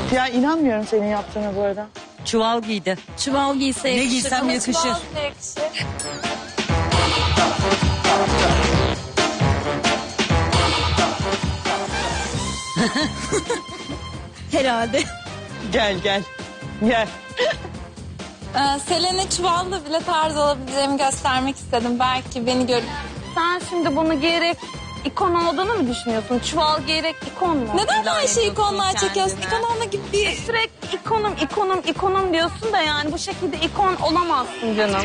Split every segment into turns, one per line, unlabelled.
Ya inanmıyorum senin yaptığına bu arada.
Çuval giydi.
Çuval giyse
Ne
yakışır.
giysem
Ama
yakışır.
çuval bile yakışır.
Herhalde.
Gel gel. Gel.
Selen'e çuvalla bile tarz olabileceğimi göstermek istedim. Belki beni görüp...
Sen şimdi bunu giyerek ikon olduğunu mu düşünüyorsun? Çuval giyerek ikon mu?
Neden
ilan
her şeyi
ediyorsun
ikonlar çekiyorsun?
kendine?
İkon olma gibi bir...
Sürekli ikonum diyorsun da yani bu şekilde ikon olamazsın canım.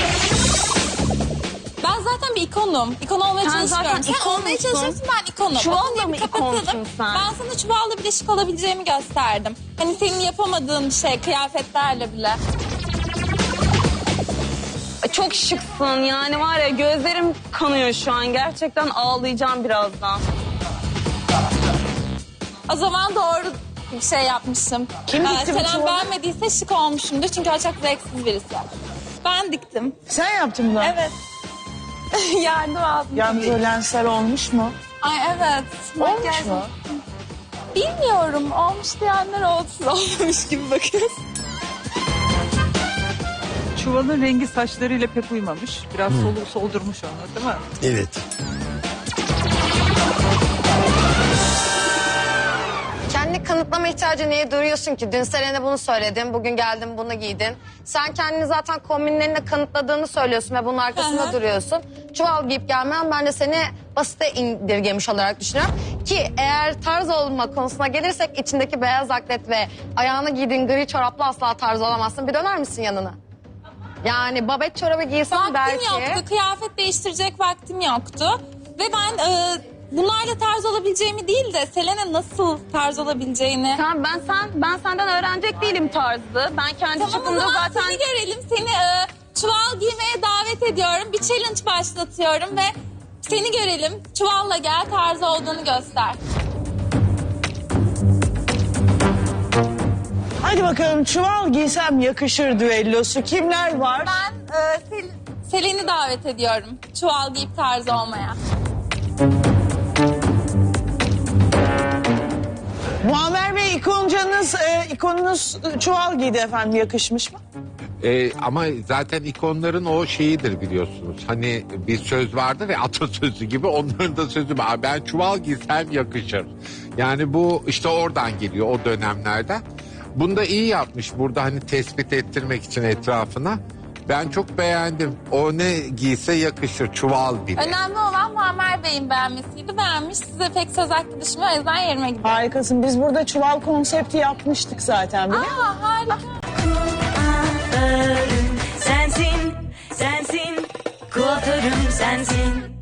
Ben zaten bir ikonum. İkon olmaya
Sen
çalışıyorum.
zaten
Sen olmaya
ikonsun.
çalışıyorsun, ben ikonum.
Çuvalla
O konuyu
mı
bir kapatalım.
ikonsun sen?
Ben sana çuvalla bile şık olabileceğimi gösterdim. Hani senin yapamadığın bir şey, kıyafetlerle bile.
Çok şıksın yani var ya gözlerim kanıyor şu an. Gerçekten ağlayacağım birazdan.
O zaman doğru bir şey yapmışım.
Kim dikti bu
Selen
çuvalı?
beğenmediyse şık olmuşumdur. Çünkü o çok zevksiz birisi. Ben diktim.
Sen yaptın bunu.
Evet. Yardım aldım.
Yalnız o lensler olmuş mu?
Ay evet.
Olmuş
Makyaj-
mu?
Bilmiyorum. Olmuş diyenler olsun. Olmamış gibi bakıyorsun.
Çuvalın rengi saçlarıyla pek uymamış. Biraz soldurmuş onu değil mi?
Evet.
Kendini kanıtlama ihtiyacı niye duyuyorsun ki? Dün Selen'e bunu söyledin, bugün geldin bunu giydin. Sen kendini zaten kombinlerinle kanıtladığını söylüyorsun ve bunun arkasında
Hı hı.
duruyorsun. Çuval giyip gelmen ben de seni basite indirgemiş olarak düşünüyorum. Ki eğer tarz olma konusuna gelirsek içindeki beyaz atlet ve ayağına giydiğin gri çorapla asla tarz olamazsın. Bir döner misin yanına? Yani babet çorabı giysen
Vaktim
belki...
yoktu. Kıyafet değiştirecek vaktim yoktu. Ve ben bunlarla tarz olabileceğimi değil de Selen'e nasıl tarz olabileceğini...
Tamam ben senden öğrenecek değilim tarzı. Ben kendi
Tamam o
çapımda
zaman
zaten...
seni görelim. Seni çuval giymeye davet ediyorum. Bir challenge başlatıyorum ve seni görelim. Çuvalla gel, tarzı olduğunu göster.
Hadi bakalım çuval giysem yakışır düellosu. Kimler var?
Ben Selen'i davet ediyorum. Çuval giyip tarzı olmaya.
Muammer Bey ikonunuz çuval giydi efendim. Yakışmış mı?
Ama zaten ikonların o şeyidir biliyorsunuz. Hani bir söz vardır ya, atasözü gibi, onların da sözü var. Ben çuval giysem yakışır. Yani bu işte oradan geliyor, o dönemlerden. Bunu da iyi yapmış burada, hani tespit ettirmek için etrafına. Ben çok beğendim. O ne giyse yakışır, çuval bile.
Önemli olan Muammer Bey'in beğenmesiydi. Beğenmiş. Size pek söz hakkı düşmüyor. O yüzden yerime gidiyorum.
Harikasın. Biz burada çuval konsepti yapmıştık zaten. Biliyor musun?
Aa, harika.
Sensin, sensin, kuaförüm sensin.